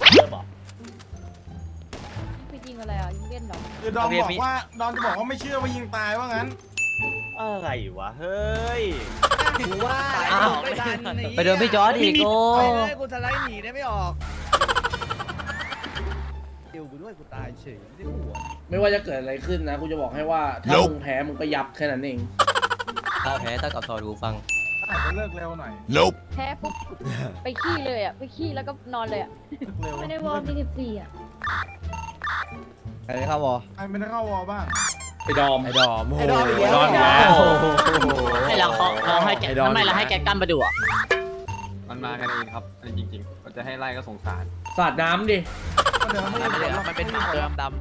ไปยิงอะไรอ่ะยิงเล่นเหรอคือดอมบอกว่าดอมจะบอกว่าไม่เชื่อว่ายิงตายว่างั้นอะไรวะเฮ้ยกูว่าไปโดนพี่จอร์ดอีกโอ้กูสไลด์หนีได้ไม่ออกเดี๋ยวกูด้วยกูตายเฉยไม่ได้หัวไม่ว่าจะเกิดอะไรขึ้นนะกูจะบอกให้ว่าถ้ามึงแพ้มึงก็ยับแค่นั้นเองถ้าแพ้ต้องกับทอดูฟังอาจจะเลิกเร็วหน่อยแพ้ปุ๊บไปขี้เลยอ่ะไปขี้แล้วก็นอนเลยอ่ะเลิกเร็วไม่ได้วอร์มที่14อ่ะใครเข้าวอใครไม่ได้เข้าวอลบ้างไอ้ดอมไอ้ดอมอีกแล้วดอมแล้วให้เราให้แกไม่เราให้แกกั้นมาดูอ่ะมันมากันเองครับจริงๆมันจะให้ไล่ก็สงสารสาดน้ำดิก็เดี๋ยวไม่ได้ผลหรอกมันเป็นหมาตัวดำ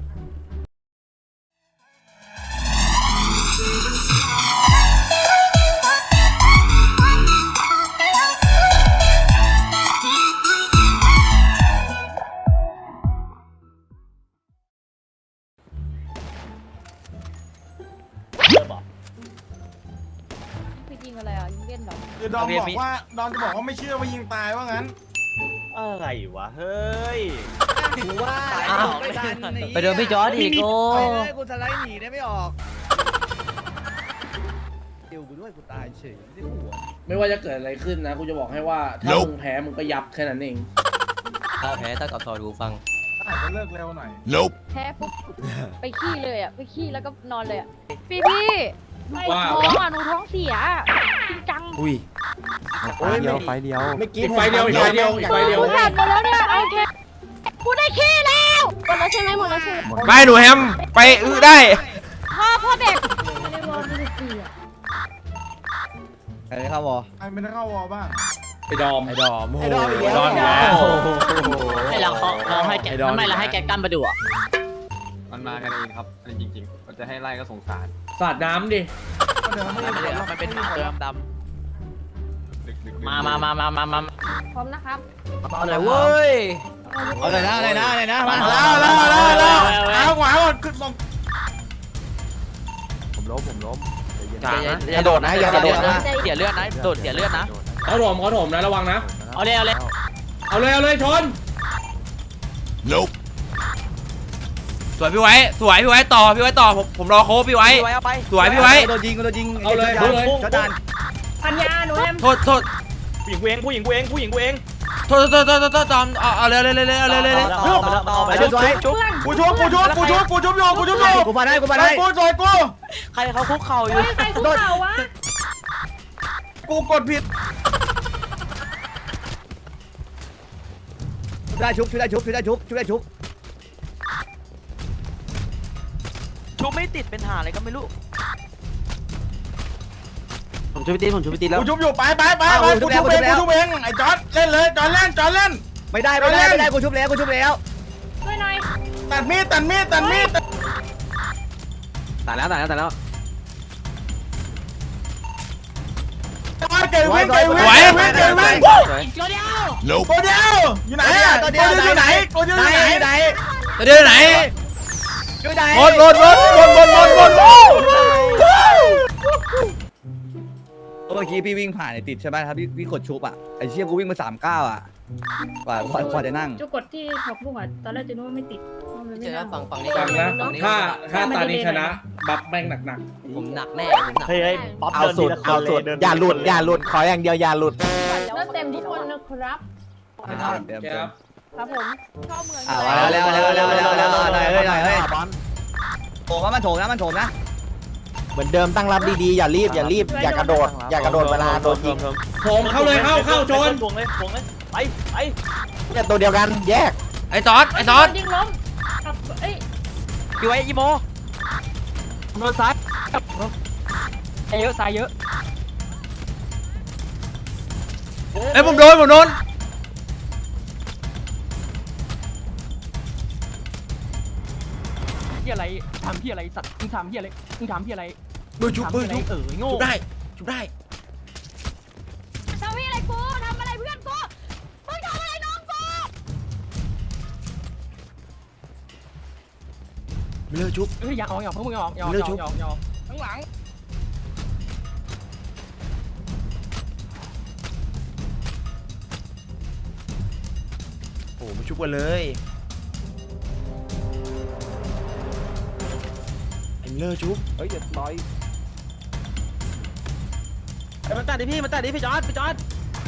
ไปยิงอะไรอ่ะยิงเล่นเหรอคือดอมบอกว่าดอมจะบอกว่าไม่เชื่อว่ายิงตายว่างั้นอะไรวะเฮ้ยกูว่าไปโดนพี่จอร์ดอีกโอ้กูสไลด์หนีได้ไม่ออกเดี๋ยวกูด้วยกูตายเฉยไม่ได้หัวไม่ว่าจะเกิดอะไรขึ้นนะกูจะบอกให้ว่าถ้ามึงแพ้มึงก็ยับแค่นั้นเองถ้าแพ้ต้องกับทอดูฟังอาจจะเลิกเร็วหน่อยแพ้ปุ๊บไปขี้เลยอ่ะไปขี้แล้วก็นอนเลยอ่ะพี่หนูว่าท้องอ่ะหนูท้องเสียจริงจังอุ้ยไฟเดียวไฟเดียวไม่กินอีกไฟเดียวอีกไฟเดียวอีกไฟเดียวกูผ่านหมดแล้วเนี่ยโอเคกูได้ขี้แล้วหมดแล้วใช่ไหมหมดแล้วใช่ไหมไม่หนูแฮมไปได้พ่อแบกไม่ได้วอร์มที่14อ่ะใครเข้าวอใครไม่ได้เข้าวอลบ้างไอ้ดอมไอ้ดอมไอ้ดอมอีกแล้วดอมแล้วให้เราให้แกไม่เราให้แกกั้นมาดูอ่ะมันมากันเองครับจริงๆมันจะให้ไล่ก็สงสารสาดน้ำดิก็เดี๋ยวไม่ได้ผลหรอกมันเป็นหมาตัวดำดึกๆมาพร้อมนะครับเอาหน่อยเว้ยเอาเลยนะมาแล้วเอาขวาก่อนขึ้นลงผมล้มอย่าโดดนะอย่าโดดนะเสียเลือดนะโดดเสียเลือดนะเขาถมนะระวังนะเอาเลยเอาเลยชนสวยพี่ไว้ต่อพี่ไว้ต่อผมรอโค้ชพี่ไว้เอาไปสวยพี่ไว้โดนยิงเอาเลยจอจานปัญญาหนูแอมโทษผู้หญิงกูเองโทษจอมเอาเลยไอ้จุ๊บสวยจุ๊บกูชุบอยู่กูชุบอยู่กูมาได้กูจอยกูใครเขาคุกเข่าอยู่ใครคุกเข่าวะกูกดผิดได้ชุบชุบชุบไม่ติดเป็นหาอะไรก็ไม่รู้ผมชุบไปตีแล้วกูชุบอยู่ไปกูชุบเองไอ้จอร์ดเล่นเลยจอร์ดเล่นไม่ได้กูชุบแล้วช่วยหน่อยตัดมีดตายแล้วเกยวิ่งตัวเดียวตัวเดียวอยู่ไหนอ่ะตัวเดียวอยู่ไหนตัวเดียวไหนช่วยได้หมดเมื่อกี้พี่วิ่งผ่านติดใช่ไหมครับพี่กดชุบอ่ะไอ้เชี่ยกูวิ่งมา39อ่ะกว่าจะนั่งจุกดที่ขอบลูกอ่ะตอนแรกจะนึกว่าไม่ติดมันไม่เจอน่าฝั่งนี้ฟังนะถ้าตานี้ชนะบัฟแม่งหนักผมหนักแน่เฮ้ยป๊อปเอาสุดอย่าหลุดขออย่างเดียวอย่าหลุดแล้วเต็มทุกคนนะครับเดี๋ยวๆครับครับผมชอบเมืองแล้วโถมมันโถมนะเหมือนเดิมตั้งรับดีๆอย่ารีบอย่ากระโดดเวลาโดนยิงผมเข้าเลยเข้าชนทวงเลยไปเนี่ยตัวเดียวกันแยกไอ้จอดยิงล้มเอ้ยพี่ไว้อีโมโดนซ้ายเยอะซ้ายเยอะไอ้ผมโดนพี่อะไรทำพี่อะไรสัตว์มึงทำพี่อะไรมือชุบโง่ชุบได้ทำอะไรกูทำอะไรเพื่อนกูมึงทำอะไรน้องกูไม่เลิกชุบเฮ้ยอย่าออกพวกมึงออกข้างหลังอ้มาชุบกันเลยไอ้มิลเลอร์ชุบเฮ้ยอย่าต่อยมาตัดดิพี่มาตัดดิพี่จอร์ดพี่จอร์ด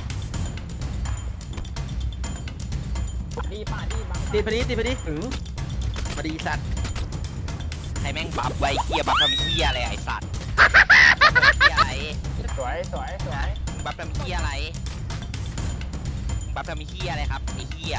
ติดไปดิติดไปดิมาดีสัตว์ใครแม่งบัฟไว้เฮียบัฟทำเฮียอะไรไอ้สัตว์อะไรสวยบัฟทำเฮียอะไรบัฟทำเฮียอะไรครับไอ้เฮีย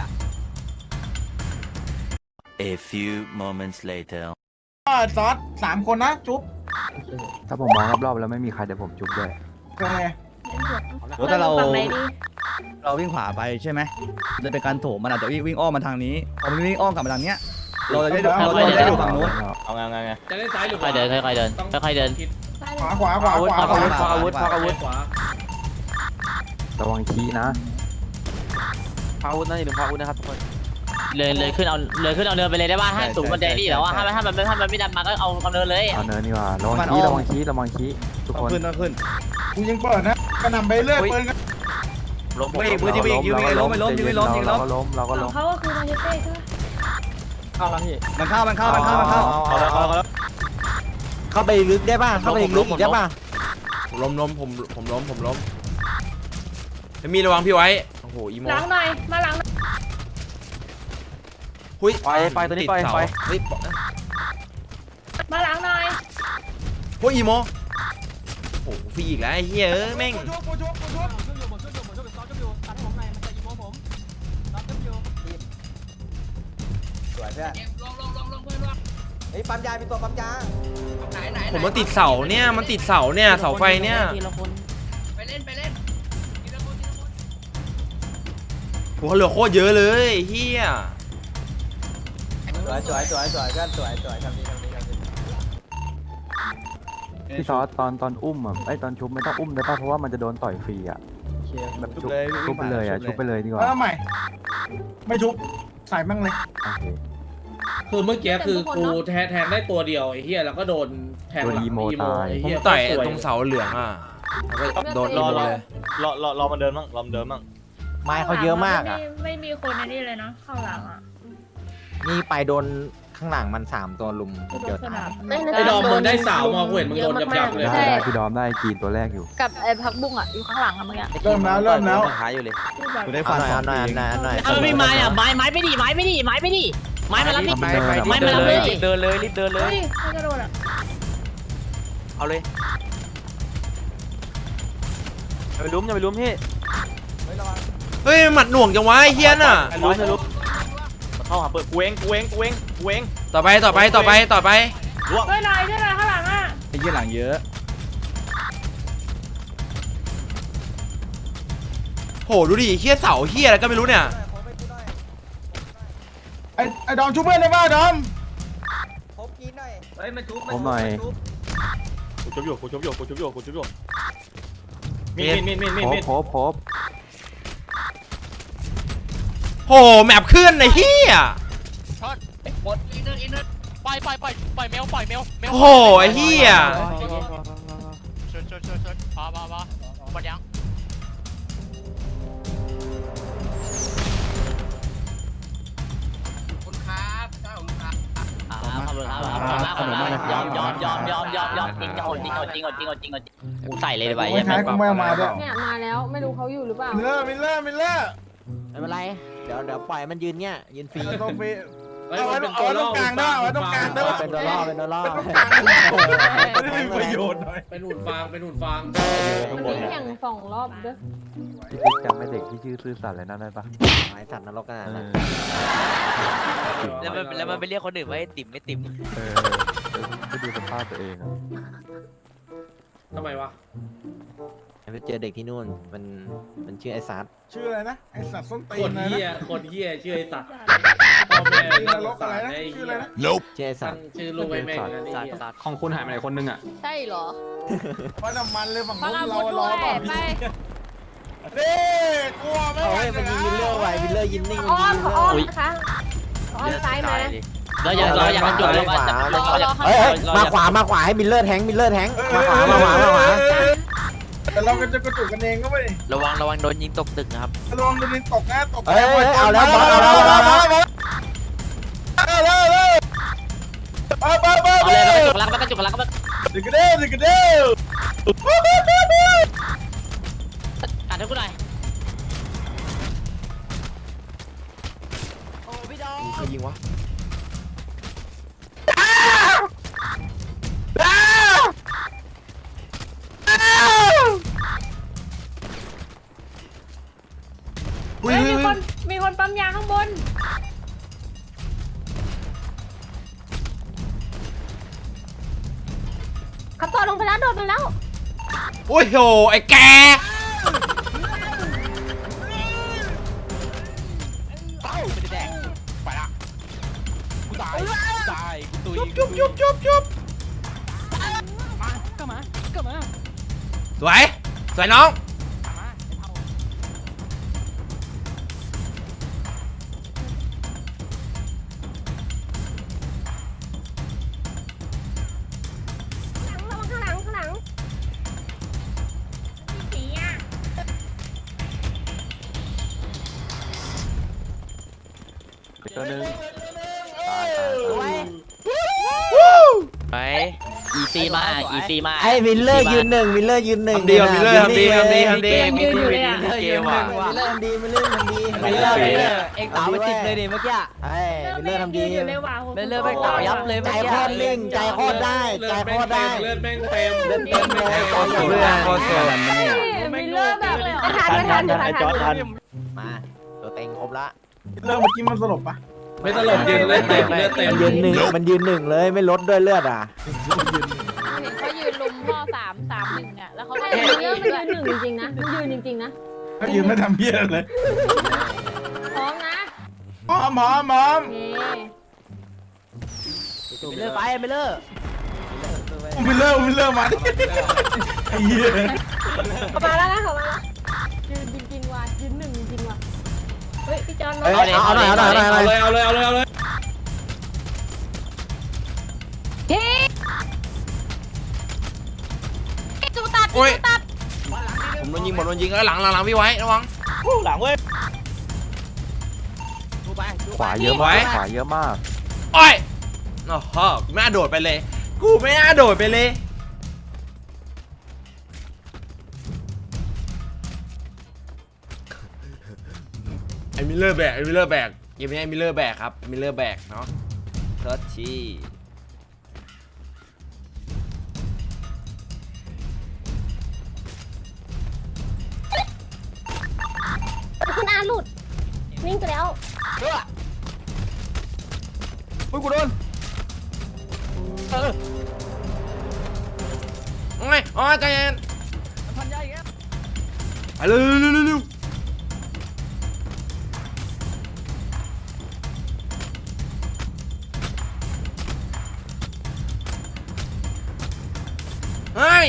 A few moments later. ซอส3 คนนะจุ๊บถ้าผมมองรอบๆแล้วไม่มีใครเดี๋ยวผมจุบด้วยเป็นไงโอ้แต่เราฝั่งไหนดีเราวิ่งขวาไปใช่ไหมจะเป็นการโถมมันอาจจะวิ่งอ้อมมาทางนี้พอมันวิ่งอ้อมกลับมาทางเนี้ยเราจะได้ดูฝั่งนู้นเอาไงจะเล่นซ้ายหรือขค่อวายเดินค่อยเดินค่อยเดินขวาอาวุธอาวุธขวาระวังขี้นะอาวุธนั่นอย่าลืมอาวุธนะครับทุกคนเลยขึ้นเอาเนินไปเลยได้ป่ะถ้าสูงมันแดงนี่แล้วว่าถ้ามันไม่ดันมาก็เอาเนินเลยเอาเนินนี่ว่าระวังขี้ทุกต้อคงนขึ้นต้องขึ้นกูยังเปิดนะกระหน่ำไปเรื่อยปืนกันล้มเฮ้ยปืนยิงยิงยิงล้มไม่ล้มยิงไม่ล้มยิงล้มเราก็ล้มเขาก็คือมาเชเต้ใช่ไหมเข้าแล้วพี่มันเข้าเข้าไปลึกได้ป่ะเข้าไปลึกอีกได้ป่ะผมล้มมีระวังพี่ไว้โอ้โหอีโมหลังหน่อยมาหลังหน่อยหุ้ยไปตัวนี้ไปเฮ้ยมาหลังหน่อยโอ้ยอีโมโอ้โหฟรีอีกแล้วไอ้เหี้ยแม่งสวยเพื่อนเฮ้ยปั๊มยามีตัวปั๊มยาผมมันติดเสาเนี่ยเสาไฟเนี่ยโหเหลือโคตรเยอะเลยเฮียสวยเพื่อนสวยทำดีพี่ซอสตอนอุ้มอ่ะตอนชุบไม่ต้องอุ้มได้ป่ะเพราะว่ามันจะโดนต่อยฟรีอ่ะแบบชุบไปเลยชุบไปเลยดีกว่าแล้วใหม่ไม่ชุบใส่มั่งเลยคือเมื่อกี้คือกูแทงได้ตัวเดียวไอ้เหี้ยแล้วก็โดนแทงหลังอีโมไอ้ผมเหี้ยต่อยตรงเสาเหลืองอ่ะแล้วก็โดนอีโมเลยรอมันเดินมั่งไม้เขาเยอะมากอ่ะไม่มีคนในนี่เลยนะข้างหลังอ่ะนี่ไปโดนข้างหลังมัน3 ตัวลุมเดียวตายไอ้ดอมมึงได้สาวมากูเห็นมึงโดนยับเลยได้พี่ดอมได้กีนตัวแรกอยู่กับไอ้พักบุ้งอ่ะอยู่ข้างหลังอะเมื่อกี้เริ่มแล้วหาอยู่เลยกูได้ฟันเอาหน่อยเอาไม่ไม้อ่ะไม้ไม่ดีไม้มารับดิไม้มารับดิเดินเลยรีบเดินเลยเฮ้ยไม่กระโดดอ่ะเอาเลยอย่าไปลุ้มพี่เฮ้ยหมัดหน่วงจังวะไอ้เฮียน่ะลุ้มเข้าหาเปิดกูเองต่อไปเฮ้ยหน่อยช่วยหน่อยข้างหลังอ่ะไอ้เหี้ยหลังเยอะโหดูดิเฮียเสาเฮียอะไรก็ไม่รู้เนี่ยไอ้ดอมชุบเพื่อนได้ป่ะดอมผมหน่อยกูชุบอยู่มีดพบโหแมปขึ้นไอ้เฮียปล่อยเมลโอ้โหไอ้เฮียพอหมดยัง ยอมจริงกูใส่เลยไปไม่ใช่กูไม่เอามาด้วยเนี่ยมาแล้วไม่รู้เขาอยู่หรือเปล่ามิลเลอร์ไม่เป็นไรเดี๋ยวปล่อยมันยืนเนี่ยยืนฟรีต้องฟรีเอาไว้ตรงกลางได้เอาไว้ตรงกลางได้เป็นตัวล่อเป็นตัวล่อไม่ได้มีประโยชน์หน่อยเป็นหุ่นฟางมันมีแข่ง2 รอบด้วยพี่ติ๊กจำไม่เด็กที่ชื่อซื่อสัตย์อะไรนั่นได้ปะหมายสัตว์นรกขนาดนั้นแล้วมันไปเรียกคนอื่นว่าติ่มไม่ติ่มไปดูสภาพตัวเองอะทำไมวะไปเจอเด็กที่นู่นมันชื่อไอ้ซัดชื่ออะไรนะไอสัตว์ส้นตีคนนเหี้ยชื่อไอ้สัตว์พ่อแม่นรกอะไรนะชื่ออะไรนะชื่อไอ้ซัตั้ดงชื่อลูกไอ้แม่งนะนี่เหี้ยของคุณหายไปไหนคนนึงอ่ะใช่เหรอว่าน้ำมันเลยฝั่งฟังนู้นอาเราวุธรด้อวยป่ะไปเด้กลัวไม่เฮ้ยมันยิงวิลเลอร์ไว้วิลเลอร์ยิงนิ่งอ้อมนะคะอ้อมซ้ายมาเราอยากจุดเราเฮ้ยมาขวาให้มิลเลอร์แทงมาขวาแต่เราก็จะกระจุกกันเองก็ไม่ระวังโดนยิงตกตึกนะครับระวังโดนตกนะตกเอ้ยเอาแล้วบอสเอาแล้วเอาแล้วเอาเลยมันกระจุกลักมันดึกเด้อดึกเด้อกัดให้กูหน่อยใครยิงวะเฮ้ยมีคนปั๊มยาข้างบนขับต่อลงไปแล้วโดดไปแล้วโอ้ยโหไอ้แกเต้าไม่ได้แดงไปละกูตายกูตุยจุบสวยน้องระวังข้างหลังสีอ่ะตัวนึงไปอีซีมากอีซีมากไอ้มิลเลอร์ยืนหนึ่งมิลเลอร์ยืนหนึ่งทำดีมิลเลอร์ทำดีมีเกมว่ะมิลเลอร์ทำดีมิลเลอร์ทำดีมิลเลอร์เอ็งสาวไปติดเลยดิเมื่อกี้ไอ้มิลเลอร์ทำดีอยู่เลยว่ะมิลเลอร์ไปต่อยับเลยใจโคตรลิ่งใจโคตรได้ใจโคตรได้เลือดแม่งเต็มเล่นเต็มเลยโคตรสวยโคตรสวยมิลเลอร์แบบทันไอ้จอร์ดทันมาตัวเต็งครบละเรื่องเมื่อกี้มันสลบปะไม่ตลกยืนเลือดเต็มเลือดเต็มมันยืนหนึ่งมันยืนหนึ่งเลยไม่ลดด้วยเลือดอ่ะเห็นเขายืนลุมพ่อ3-1อ่ะแล้วเขาเขายืนไม่ทำเพี้ยเลยพร้อมนะหอมมิลเลอร์ไปมิลเลอร์มิลเลอร์มาไอ้เหี้ยมาแล้วนะเขามาแล้วยืนจริงๆว่ะยืน1จริงๆว่ะเฮ้ยพี่จอนเอาหน่อยเอาเลยจูตัดโอ้ยผมโดนยิงแล้วหลังพี่ไว้ระวังหลังเว้ยขวาเยอะมากขวาเยอะมากโอ้ยโอ้โหกูไม่น่าโดดไปเลยไอ้มิลเลอร์แบกเกมนี้ไอ้มิลเลอร์แบกครับมิลเลอร์แบกเนาะเทิร์ชทีคุณอาหลุดวิ่งไปแล้วอุ้ยกูโดนโอ้ยอ๋อใจเย็นพันยาอีกแล้วไปเร็วเฮ้ย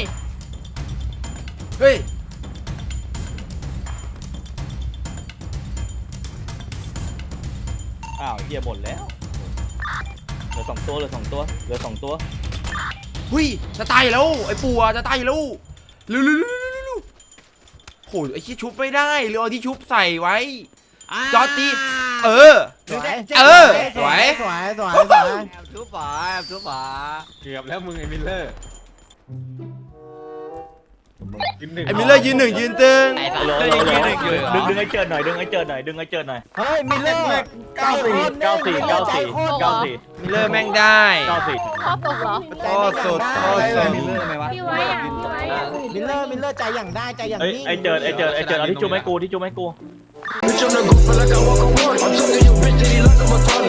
อ้าวเฮียบ่นแล้วเหลือ2 ตัวเหลือ2 ตัวหุ้ยจะตายแล้วไอ้ปู่จะตายแล้วเร็วโหไอ้ที่ชุบไม่ได้เรือที่ชุบใส่ไว้จอตีสวยสวยทุบฝาเกือบแล้วมึงไอ้มิลเลอร์ไอ้มิลเลอร์ยืน1ยืนตึงไอ้สัตว์ดึงไอ้เจิดหน่อยเฮ้ยมิลเลอร์มิลเลอร์แม่งได้พ่อตกเหรอโอ้สุดมิลเลอร์ไหมวะพี่ไว้อ่ะพี่ไว้อ่ะมิลเลอร์ใจอย่างได้ใจอย่างนิ่งไอ้เจิดเอาที่จุ๊บให้กู Bitch, I'm the go feel like I walk on water. I'm talking your bitch, that he like I'm a